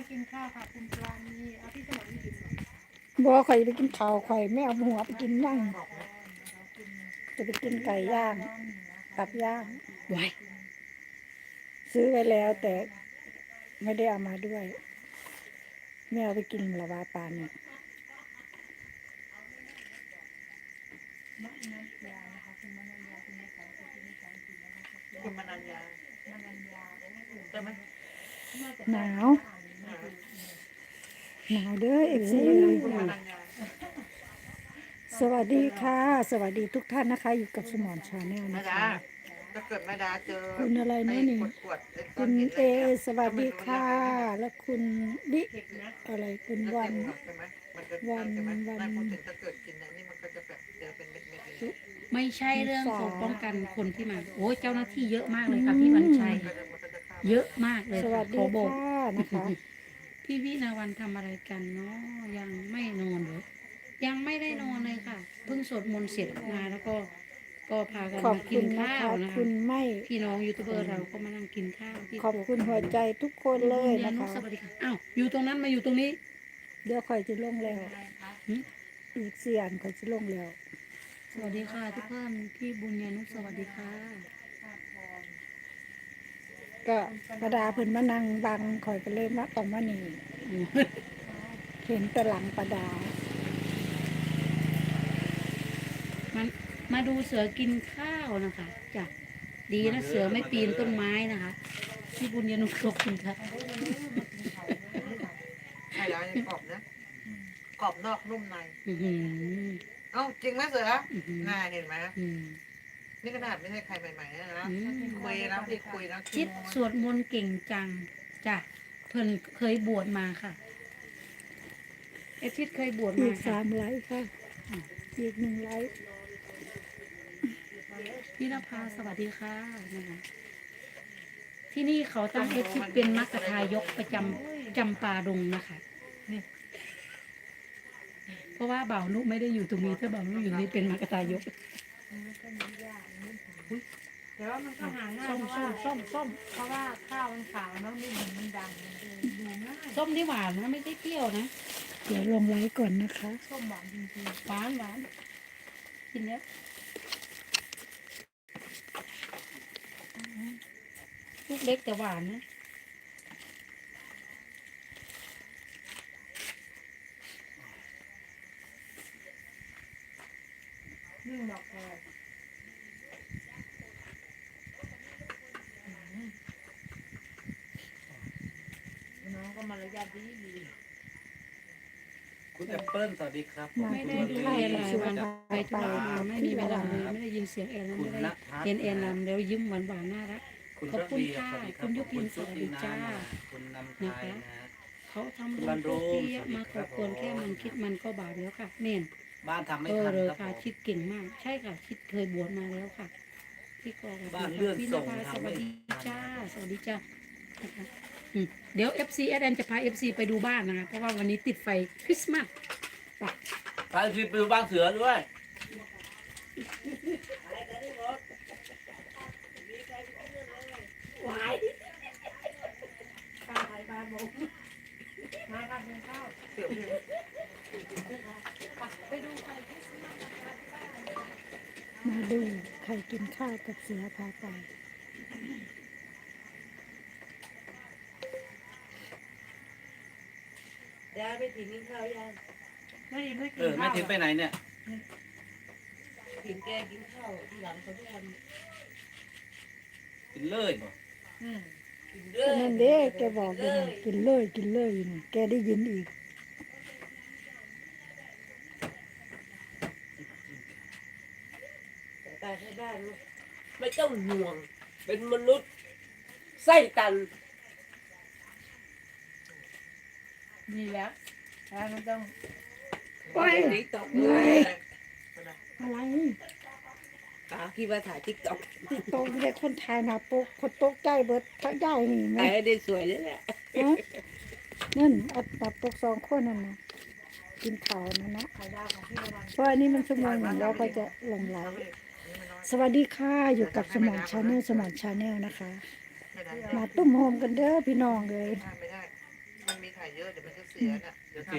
กินข้าวค่ะคุณปราณีเอาพี่สมรไม่กินหรอบัวข่อยไปกินข้าวข่อยไม่เอาหัวไปกินนั่งจะไปกินไก่ย่างตับย่างไว้ซื้อไว้แล้วแต่ไม่ได้เอามาด้วยไม่เอาไปกินละวาปานเนี่ยคุณมนัญญาใช่ไหมหนาวเด้อเอฟซีคุณมนัญญาสวัสดีค่ะ สวัสดีทุกท่านนะคะ อยู่กับสมอนชาแนลแม่นะดาคะถ้าเกิดแม่ดาเจอคุณอะไรนะนี่ขวดไอ้ก้คุอนณหินเออะไรนี่ยสวัสดีค่ะ และคุณบิอะไรคุณวันใช่ไหมมันจะใช่ใช่ไหมไม่พูดถึงถ้าเกิดกินอันนี้มันก็จะแบบเจอเป็นเม็ดๆเลยไม่ใช่เรื่องของป้องกันคนที่มาโอ้ยเจ้าหน้าที่เยอะมากเลยค่ะพี่วันชัยมันก็จะฆ่าเยอะมากเลยสวัค่ะสขดีอบอกค่ะนะคะพี่วินาวันทำอะไรกันเนาะยังไม่นอนเลยยังไม่ได้นอนเลยค่ะเพิ่งสวดมนต์เสร็จมาแล้วก็พากันขอบมากิคุนณนะข้าวคะนะคุคะณไม่พี่น้องยูทูบเบอร์เราก็มานั่งกินข้าวที่ขอบคุณหัวใจทุกคนเลยณนะนุคะสวัสดีค่ะอ้าวอยู่ตรงนั้นมาอยู่ตรงนี้เดี๋ยวข่อยจะลงแล้วหึอีกเสียนข่อยจะลงแล้วสวัสดีค่ะทุกท่านพี่บุญญานุสวัสดีค่ะก็ประดาเพิ่นมานั่งบังข่อยก็เลยมาต้องมานี่เห็นแต่หลังประดามันมาดูเสือกินข้าวนะคะจ้ะดีนะเสือไม่ปีนต้นไม้นะคะพี่บุญญานุขอบคุณค่ะใช่แล้วยังกรอบนะกรอบนอกนุ่มในอื้อหือเอ้าจริงไหมเสืออื้อหือน่าเห็นไหมอืมนี่ขนาดไม่ใช่ใครใหม่ๆนะอืมคุยนะพี่คุยนะชิดสวดมนต์เก่งจังจ้ะเพิ่นเคยบวชมาค่ะเอชิดเคยบวชอีมาก ค่ะ 3 ไลค์ค่ะ อีก1 ไลค์พี่นภาสวัสดีค่ะนะคะที่นี่เขาตั้งเอชิดเป็นมัคคทายกประจำปาดงนะคะเพราะว่าบ่าวนุไม่ได้อยู่ตรงนี้ถ้าบ่าวนุอยู่นี่เป็นมัคคทายกแต่ว่ามันก็หาง่ายส้มเพราะส้ว่ามส้มส้มเพราะว่าข้าวมันขาวเนาะนี่เหมือนมันดำมันเลยดูง่ายส้มที่หวานนะไม่ใช่เปรี้ยวนะเดี๋ยวลงไลค์ก่อนนะคะส้มหวานจริงหวานหวานกินแล้วลูกเล็กแต่หวานนะๆนึ่งดอกแครน้องก็มารยาทดีดีคุณแอปเปิ้ลสวัสดีครับไม่ได้ดูแอนหลายวันไปธุระมาไม่มีเวลาเลยไม่ได้ยินเสียงแอนแล้วคุไม่ณได้ณพัฒน์เห็นแอนลำแล้วยิ้มหวานหวานน่ารักคุณขอบระคุณเบียร์ค่ะสวัสดีครัคุบณยุพินขอบสวัสดีจ้าคุณนำไทยนะฮะเขาทำคุณบุบรญรพลุวกที่เยอะสวัสดีมาคขรัอบบควรแค่มันคิดมันก็บาปแล้วค่ะเน่นบ้านทำไม่เออทันเลยครับค่ะผมคิดเก่งมาก ใช่ค่ะ คิดเคยบวชมาแล้วค่ะพี่กองบ้านเลื่อนพี่นส่งภาสทำวัไม่สดีทันจ้าสวัสดีจ้านะคะเดี๋ยว FC แอดแอนจะพา FC ไปดูบ้านนะคะเพราะว่าวันนี้ติดไฟคริสต์มาสไปไปที่ไปดูบ้านเสือด้วยป้าไทยบ้านบอกมาครับกินข้าวเสือพี่ไปดูไฟคริสต์มาสมาดูใครกินข้าวกับเสือพาไปยายไปถึงกินข้าวยังไม่ได้ไม่กินแม่ข้าวถึงไปไหนเนี่ยถึงแกกินข้าวที่หลังเขาทุกวันกินเลยบ่กินเด้ก็อนั่นเด้แกบอกอยู่นะกินเลยกินเลยอยู่นะแกได้ยินอีกตายให้ได้ลูกไม่ต้องห่วง เป็นมนุษย์ไส้ตันนี่แหละแล้วมันต้องไปติ๊กต็อกเหนื่อยอะไรตาคิดว่าถ่ายติ๊กต็อกติดโต๊ะเด็กคนไทยนะโป๊กคนโต๊ะใจเบิดทั้งใหญ่นี่ไหมถ่ายให้ได้สวยเลยแหละฮะนั่นอัดตับโป๊ก2 คนนั่นนะกินข้าวนั่นนะถ่ายดาวของพี่ละวันเพราะอันนี้มันชั่วโมงหนึ่งแล้วก็จะลงไลฟ์สวัสดีค่ะอยู่กับสมอนชาแนลนะคะไม่ได้มาตุ้มโฮมกันเด้อพี่น้องเลยไม่ได้มันมีมีไข่เยอะเดี๋ยวมันจะเสียน่ะเดี๋ยวทำ